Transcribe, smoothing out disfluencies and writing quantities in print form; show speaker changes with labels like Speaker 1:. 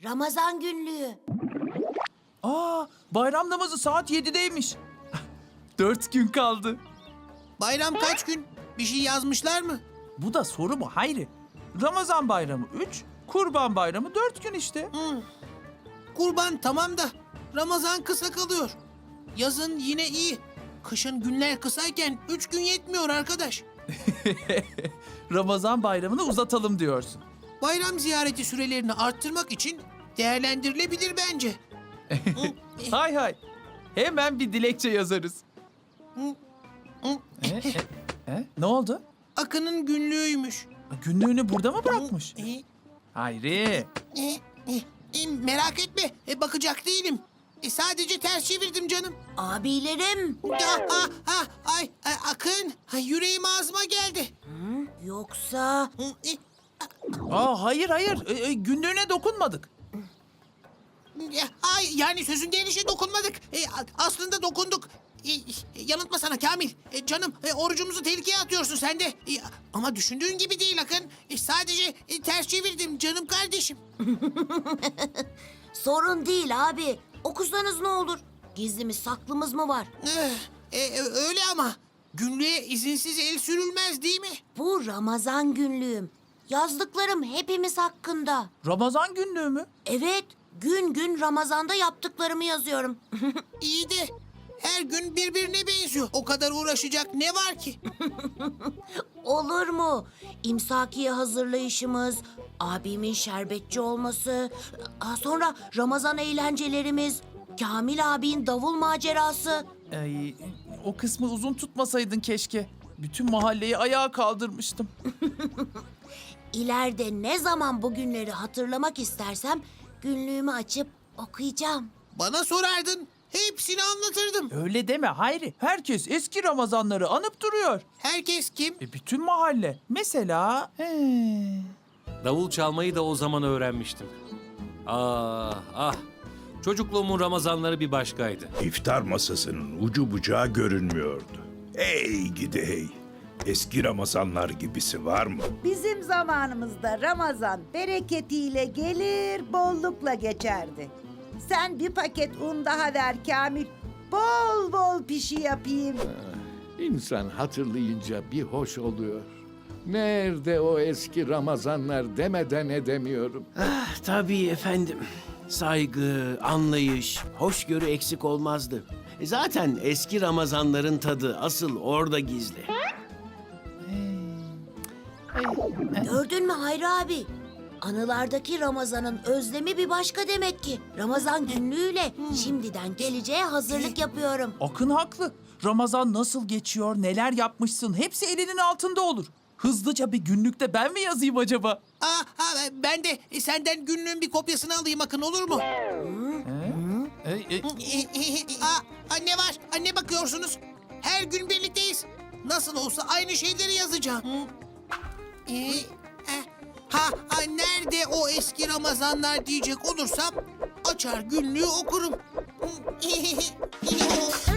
Speaker 1: Ramazan günlüğü.
Speaker 2: Bayram namazı saat 7'deymiş. 4 gün kaldı.
Speaker 3: Bayram kaç gün? Bir şey yazmışlar mı?
Speaker 2: Bu da soru mu Hayri? Ramazan bayramı 3, Kurban bayramı 4 gün işte.
Speaker 3: Kurban tamam da Ramazan kısa kalıyor. Yazın yine iyi. Kışın günler kısayken 3 gün yetmiyor arkadaş.
Speaker 2: Ramazan bayramını uzatalım diyorsun.
Speaker 3: Bayram ziyareti sürelerini arttırmak için değerlendirilebilir bence.
Speaker 2: Hay hay. Hemen bir dilekçe yazarız. Ne oldu?
Speaker 3: Akın'ın günlüğüymüş.
Speaker 2: Günlüğünü burada mı bırakmış? Hayri.
Speaker 3: Merak etme, bakacak değilim. Sadece ters çevirdim canım.
Speaker 1: Abilerim.
Speaker 3: Akın, yüreğim ağzıma geldi.
Speaker 1: Yoksa...
Speaker 2: Hayır. Günlüğüne dokunmadık.
Speaker 3: Yani sözün gelişi dokunmadık. Aslında dokunduk. Yanıltma sana Kamil. Canım, orucumuzu tehlikeye atıyorsun sen de. Ama düşündüğün gibi değil Akın. Sadece ters çevirdim canım kardeşim.
Speaker 1: Sorun değil abi. Okusanız ne olur? Gizlimiz saklımız mı var?
Speaker 3: Öyle ama günlüğe izinsiz el sürülmez değil mi?
Speaker 1: Bu Ramazan günlüğüm. Yazdıklarım hepimiz hakkında.
Speaker 2: Ramazan günlüğü mü?
Speaker 1: Evet, gün gün Ramazan'da yaptıklarımı yazıyorum.
Speaker 3: İyi de her gün birbirine benziyor. O kadar uğraşacak ne var ki?
Speaker 1: Olur mu? İmsakiye hazırlayışımız, abimin şerbetçi olması, sonra Ramazan eğlencelerimiz, Kamil abinin davul macerası.
Speaker 2: O kısmı uzun tutmasaydın keşke. Bütün mahalleyi ayağa kaldırmıştım.
Speaker 1: İleride ne zaman bu günleri hatırlamak istersem günlüğümü açıp okuyacağım.
Speaker 3: Bana sorardın. Hepsini anlatırdım.
Speaker 2: Öyle deme Hayri. Herkes eski Ramazanları anıp duruyor.
Speaker 3: Herkes kim?
Speaker 2: Bütün mahalle. Mesela...
Speaker 4: Davul çalmayı da o zaman öğrenmiştim. Ah. Çocukluğumun Ramazanları bir başkaydı.
Speaker 5: İftar masasının ucu bucağı görünmüyordu. Hey gidi hey. Eski Ramazanlar gibisi var mı?
Speaker 6: Bizim zamanımızda Ramazan bereketiyle gelir, bollukla geçerdi. Sen bir paket un daha ver Kamil. Bol bol pişi yapayım.
Speaker 7: İnsan hatırlayınca bir hoş oluyor. Nerede o eski Ramazanlar demeden edemiyorum.
Speaker 8: Tabii efendim. Saygı, anlayış, hoşgörü eksik olmazdı. Zaten eski Ramazanların tadı asıl orada gizli.
Speaker 1: Gördün mü Hayri abi? Anılardaki Ramazan'ın özlemi bir başka demek ki. Ramazan günlüğüyle şimdiden geleceğe hazırlık yapıyorum.
Speaker 2: Akın haklı. Ramazan nasıl geçiyor, neler yapmışsın hepsi elinin altında olur. Hızlıca bir günlükte ben mi yazayım acaba?
Speaker 3: Ben de senden günlüğün bir kopyasını alayım Akın olur mu? Ne var? Ne bakıyorsunuz? Her gün birlikteyiz. Nasıl olsa aynı şeyleri yazacağım. Nerede o eski Ramazanlar diyecek olursam açar günlüğü okurum.